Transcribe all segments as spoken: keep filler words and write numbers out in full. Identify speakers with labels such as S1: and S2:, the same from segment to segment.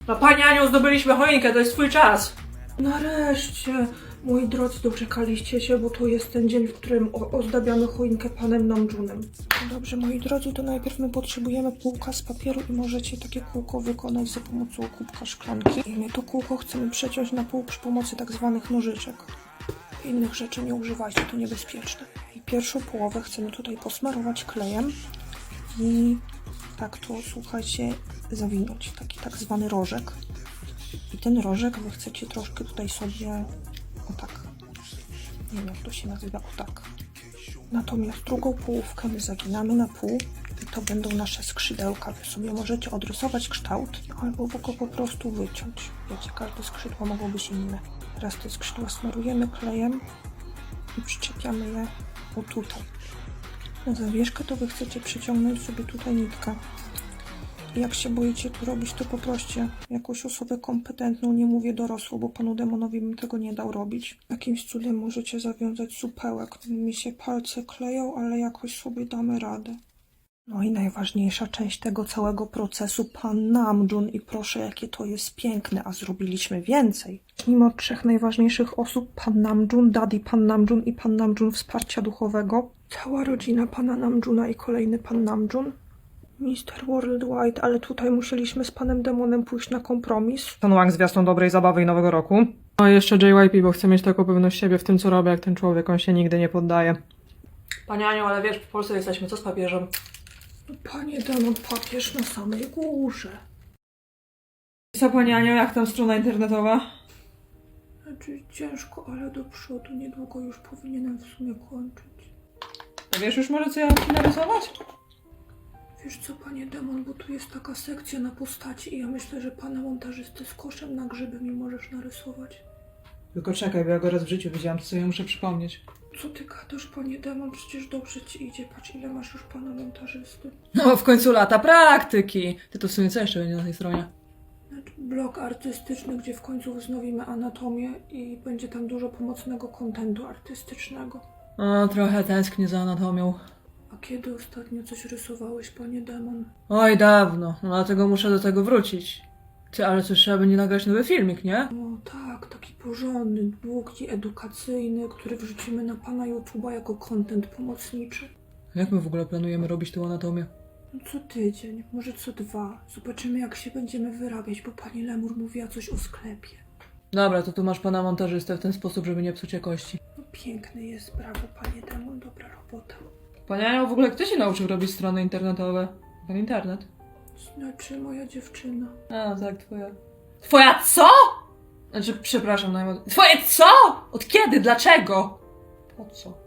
S1: No Pani Aniu, zdobyliśmy choinkę, to jest twój czas. Nareszcie, moi drodzy, doczekaliście się, bo to jest ten dzień, w którym ozdabiamy choinkę panem Namjunem. Dobrze, moi drodzy, to najpierw my potrzebujemy kółka z papieru i możecie takie kółko wykonać za pomocą kubka szklanki. I my to kółko chcemy przeciąć na pół przy pomocy tak zwanych nożyczek. Innych rzeczy nie używajcie, to niebezpieczne. I pierwszą połowę chcemy tutaj posmarować klejem i tak to, słuchajcie, zawinąć. Taki tak zwany rożek. I ten rożek wy chcecie troszkę tutaj sobie, o tak, nie wiem jak to się nazywa, o tak. Natomiast drugą połówkę my zaginamy na pół i to będą nasze skrzydełka. Wy sobie możecie odrysować kształt albo go po prostu wyciąć. Wiecie, każde skrzydło mogą być inne. Teraz te skrzydła smarujemy klejem i przyczepiamy je o tutaj. Na zawieszkę to wy chcecie przyciągnąć sobie tutaj nitkę. I jak się boicie tu robić, to poproście jakąś osobę kompetentną, nie mówię dorosłą, bo panu demonowi bym tego nie dał robić. Jakimś cudem możecie zawiązać supełek. Mi się palce kleją, ale jakoś sobie damy radę. No i najważniejsza część tego całego procesu, pan Namjun. I proszę, jakie to jest piękne, a zrobiliśmy więcej. Mimo trzech najważniejszych osób, pan Namjun, daddy pan Namjun i pan Namjun wsparcia duchowego, cała rodzina pana Namjuna i kolejny pan Namjun, mister Worldwide, ale tutaj musieliśmy z panem demonem pójść na kompromis. Ten Wang z gwiazdą dobrej zabawy i nowego roku. No i jeszcze J Y P, bo chcę mieć taką pewność siebie w tym, co robię, jak ten człowiek, on się nigdy nie poddaje. Panie Aniu, ale wiesz, w Polsce jesteśmy, co z papieżem? No, panie demon, papież na samej górze. Co, panie Aniu, jak tam strona internetowa? Znaczy ciężko, ale do przodu, niedługo już powinienem w sumie kończyć. A wiesz już może, co ja mam ci narysować? Wiesz co, panie demon, bo tu jest taka sekcja na postaci i ja myślę, że pana montażysty z koszem na grzyby mi możesz narysować. Tylko czekaj, bo ja go raz w życiu widziałam, to sobie muszę przypomnieć. Co ty gadasz, panie demon? Przecież dobrze ci idzie. Patrz, ile masz już pana montażysty. No, w końcu lata praktyki. Ty to w sumie co jeszcze będzie na tej stronie? Znaczy, blog artystyczny, gdzie w końcu wznowimy anatomię i będzie tam dużo pomocnego kontentu artystycznego. O, trochę tęsknię za anatomią. A kiedy ostatnio coś rysowałeś, panie demon? Oj, dawno. No dlatego muszę do tego wrócić. Ty, ale coś trzeba będzie nagrać nowy filmik, nie? O tak, taki porządny, długi, edukacyjny, który wrzucimy na pana YouTube'a jako content pomocniczy. Jak my w ogóle planujemy robić tą anatomię? No co tydzień, może co dwa. Zobaczymy, jak się będziemy wyrabiać, bo pani Lemur mówiła coś o sklepie. Dobra, to tu masz pana montażystę w ten sposób, żeby nie psuć jakości. No piękny jest, brawo panie demon, dobra robota. Panie Aniu, w ogóle kto się nauczył robić strony internetowe? Ten internet? Znaczy moja dziewczyna. A, tak, twoja. Twoja co? Znaczy, przepraszam najmocniej. Twoje co? Od kiedy? Dlaczego? Po co?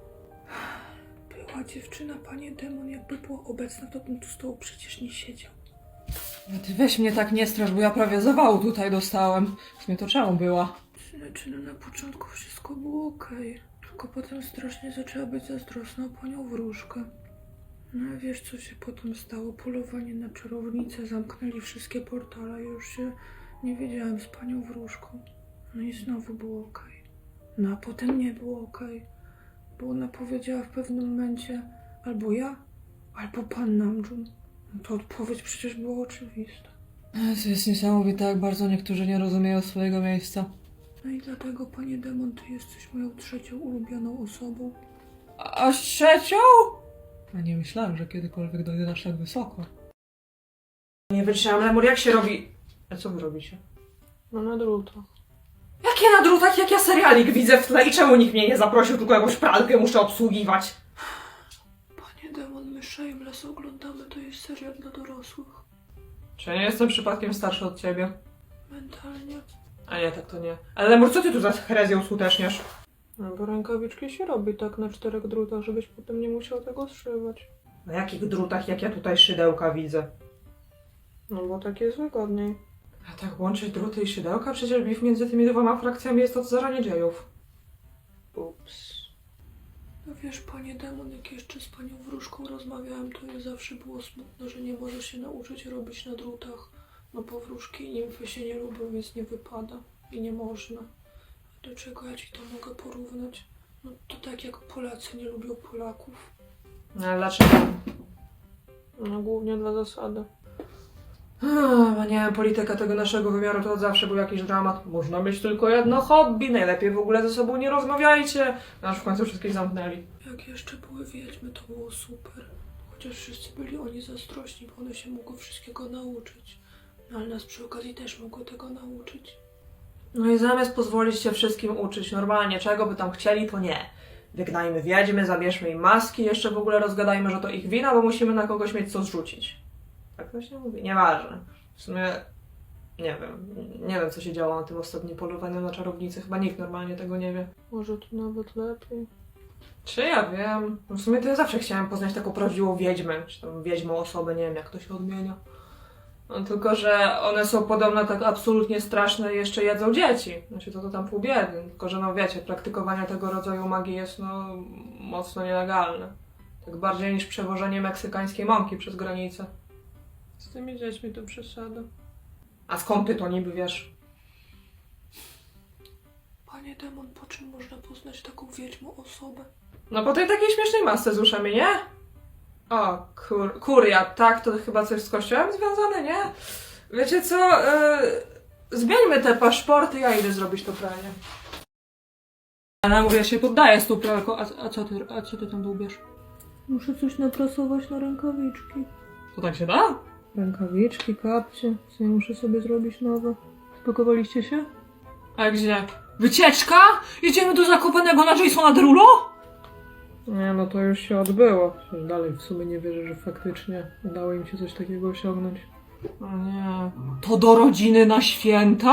S1: Była dziewczyna, panie demon, jakby była obecna, to bym tu z tobą przecież nie siedział. No ty weź mnie tak nie strasz, bo ja prawie zawału tutaj dostałem. W sumie to czemu była? Znaczy, no na początku wszystko było okej. Okay. Tylko potem strasznie zaczęła być zazdrosna o panią wróżkę. No a wiesz, co się potem stało? Polowanie na czarownicę, zamknęli wszystkie portale, już się nie wiedziałem z panią wróżką. No i znowu było okej. No a potem nie było okej. Bo ona powiedziała w pewnym momencie albo ja, albo pan Namjun. No to odpowiedź przecież była oczywista. To jest niesamowite, jak bardzo niektórzy nie rozumieją swojego miejsca. No i dlatego, panie demon, ty jesteś moją trzecią ulubioną osobą. A, a trzecią? A nie myślałem, że kiedykolwiek dojdę aż tak wysoko. Nie wytrzymam, Lemur, jak się robi... A co wy robicie? No na drutach. Jak ja na drutach? Jak ja serialik widzę w tle i czemu nikt mnie nie zaprosił, tylko jakąś pralkę muszę obsługiwać? Panie demon, my Shameless oglądamy, to jest serial dla dorosłych. Czy ja nie jestem przypadkiem starszy od ciebie? Mentalnie. A nie, tak to nie. Ale Lemur, co ty tu za herezję uskuteczniasz? No bo rękawiczki się robi tak na czterech drutach, żebyś potem nie musiał tego zszywać. Na jakich drutach, jak ja tutaj szydełka widzę? No bo tak jest wygodniej. A tak łączyć druty i szydełka? Przecież bif między tymi dwoma frakcjami jest od zarania dziejów. Ups. No wiesz, panie demon, jak jeszcze z panią wróżką rozmawiałem, to jej zawsze było smutno, że nie może się nauczyć robić na drutach. No bo wróżki i nimfy się nie lubią, więc nie wypada. I nie można. Do czego ja ci to mogę porównać? No to tak jak Polacy nie lubią Polaków. No ale dlaczego? No głównie dla zasady. Hmm, nie wiem, polityka tego naszego wymiaru to od zawsze był jakiś dramat. Można mieć tylko jedno hobby, najlepiej w ogóle ze sobą nie rozmawiajcie. No aż w końcu wszystkich zamknęli. Jak jeszcze były wiedźmy, to było super. Chociaż wszyscy byli oni zazdrośni, bo one się mogły wszystkiego nauczyć. No ale nas przy okazji też mogły tego nauczyć. No i zamiast pozwolić się wszystkim uczyć normalnie, czego by tam chcieli, to nie. Wygnajmy wiedźmy, zabierzmy im maski, jeszcze w ogóle rozgadajmy, że to ich wina, bo musimy na kogoś mieć co zrzucić. Tak to się mówi? Nieważne. W sumie nie wiem. Nie wiem, co się działo na tym ostatnim polowaniu na czarownicy. Chyba nikt normalnie tego nie wie. Może to nawet lepiej. Czy ja wiem? No w sumie to ja zawsze chciałam poznać taką prawdziwą wiedźmę, czy tam wiedźmą osobę, nie wiem jak to się odmienia. No, tylko, że one są podobno tak absolutnie straszne i jeszcze jedzą dzieci. Znaczy to to tam pół biedy. Tylko, że no wiecie, praktykowanie tego rodzaju magii jest no mocno nielegalne. Tak bardziej niż przewożenie meksykańskiej mąki przez granicę. Z tymi dziećmi to przesada. A skąd ty to niby wiesz? Panie demon, po czym można poznać taką wiedźmą osobę? No po tej takiej śmiesznej masce z uszami, nie? O, kur, kuria, tak, to chyba coś z kościołem związane, nie? Wiecie co, yy, zmieńmy te paszporty, ja idę zrobić to pranie. Ja mówię, ja się poddaję z tą pralką, a, a, co ty, a co ty tam dłubiesz? Muszę coś naprasować na rękawiczki. To tak się da? Rękawiczki, kapcie, co ja muszę sobie zrobić nowe. Spakowaliście się? A gdzie? Wycieczka? Idziemy do Zakopanego na Jasona Derulo? Nie, no to już się odbyło. Przecież dalej w sumie nie wierzę, że faktycznie udało im się coś takiego osiągnąć. O nie. To do rodziny na święta?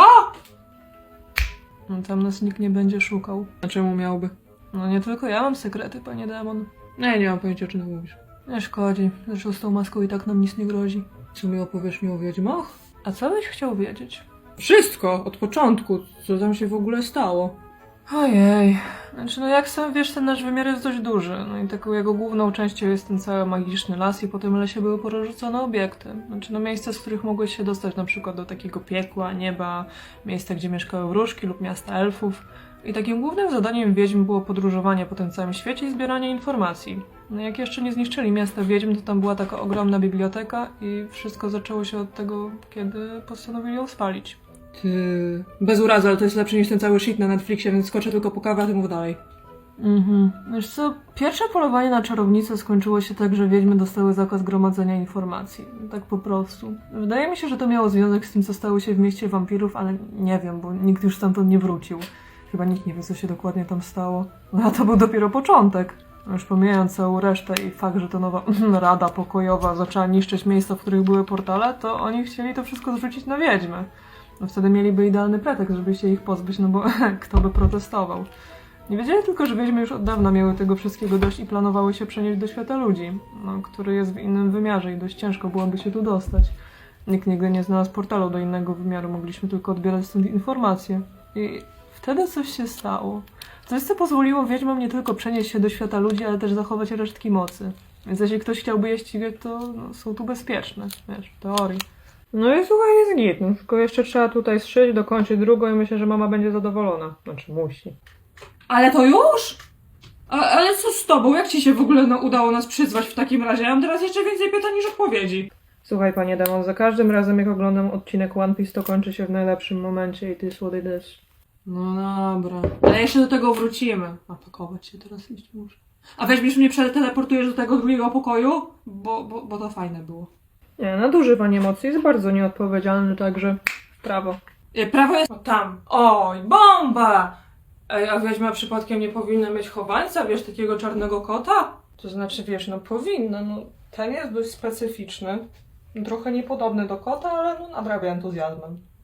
S1: No tam nas nikt nie będzie szukał. A czemu miałby? No nie tylko ja mam sekrety, panie demon. Nie, nie mam pojęcia, o czym ty mówisz. Nie szkodzi. Zresztą z tą maską i tak nam nic nie grozi. Co mi opowiesz mi o wiedźmach? A co byś chciał wiedzieć? Wszystko, od początku. Co tam się w ogóle stało? Ojej. Znaczy, no jak sam wiesz, ten nasz wymiar jest dość duży. No i taką jego główną częścią jest ten cały magiczny las i po tym lesie były porozrzucone obiekty. Znaczy, no miejsca, z których mogłeś się dostać na przykład do takiego piekła, nieba, miejsca, gdzie mieszkały wróżki lub miasta elfów. I takim głównym zadaniem wiedźm było podróżowanie po tym całym świecie i zbieranie informacji. No jak jeszcze nie zniszczyli miasta wiedźm, to tam była taka ogromna biblioteka i wszystko zaczęło się od tego, kiedy postanowili ją spalić. Ty... Bez urazy, ale to jest lepsze niż ten cały shit na Netflixie, więc skoczę tylko po kawę, a ty mów dalej. Mhm. Wiesz co, pierwsze polowanie na czarownicę skończyło się tak, że wiedźmy dostały zakaz gromadzenia informacji. Tak po prostu. Wydaje mi się, że to miało związek z tym, co stało się w mieście wampirów, ale nie wiem, bo nikt już stamtąd nie wrócił. Chyba nikt nie wie, co się dokładnie tam stało. No a to był dopiero początek. Już pomijając całą resztę i fakt, że ta nowa rada pokojowa zaczęła niszczyć miejsca, w których były portale, to oni chcieli to wszystko zrzucić na wiedźmy. No wtedy mieliby idealny pretekst, żeby się ich pozbyć, no bo kto by protestował. Nie wiedzieli tylko, że wiedźmy już od dawna miały tego wszystkiego dość i planowały się przenieść do świata ludzi, no, który jest w innym wymiarze i dość ciężko byłoby się tu dostać. Nikt nigdy nie znalazł portalu do innego wymiaru, mogliśmy tylko odbierać stąd informacje. I wtedy coś się stało. Coś, co pozwoliło wiedźmom nie tylko przenieść się do świata ludzi, ale też zachować resztki mocy. Więc jeśli ktoś chciałby je ścigać, to no, są tu bezpieczne, wiesz, w teorii. No i słuchaj, jest git, no, tylko jeszcze trzeba tutaj zszyć, dokończyć drugą i myślę, że mama będzie zadowolona. Znaczy musi. Ale to już? A, ale co z tobą? Jak ci się w ogóle no, udało nas przyzwać w takim razie? Ja mam teraz jeszcze więcej pytań niż odpowiedzi. Słuchaj, panie demon, za każdym razem jak oglądam odcinek One Piece, to kończy się w najlepszym momencie i ty is what it is. No dobra. Ale jeszcze do tego wrócimy. A pakować się teraz iść muszę. A weźmiesz mnie, przeteleportujesz do tego drugiego pokoju? Bo, bo, bo to fajne było. Nie, nadużywanie emocji jest bardzo nieodpowiedzialny, także w prawo. E, prawo jest o, tam. Oj, bomba! Ej, a wiedźma przypadkiem nie powinna mieć chowańca, wiesz, takiego czarnego kota? To znaczy, wiesz, no powinna, no ten jest dość specyficzny. Trochę niepodobny do kota, ale no nadrabia entuzjazmem.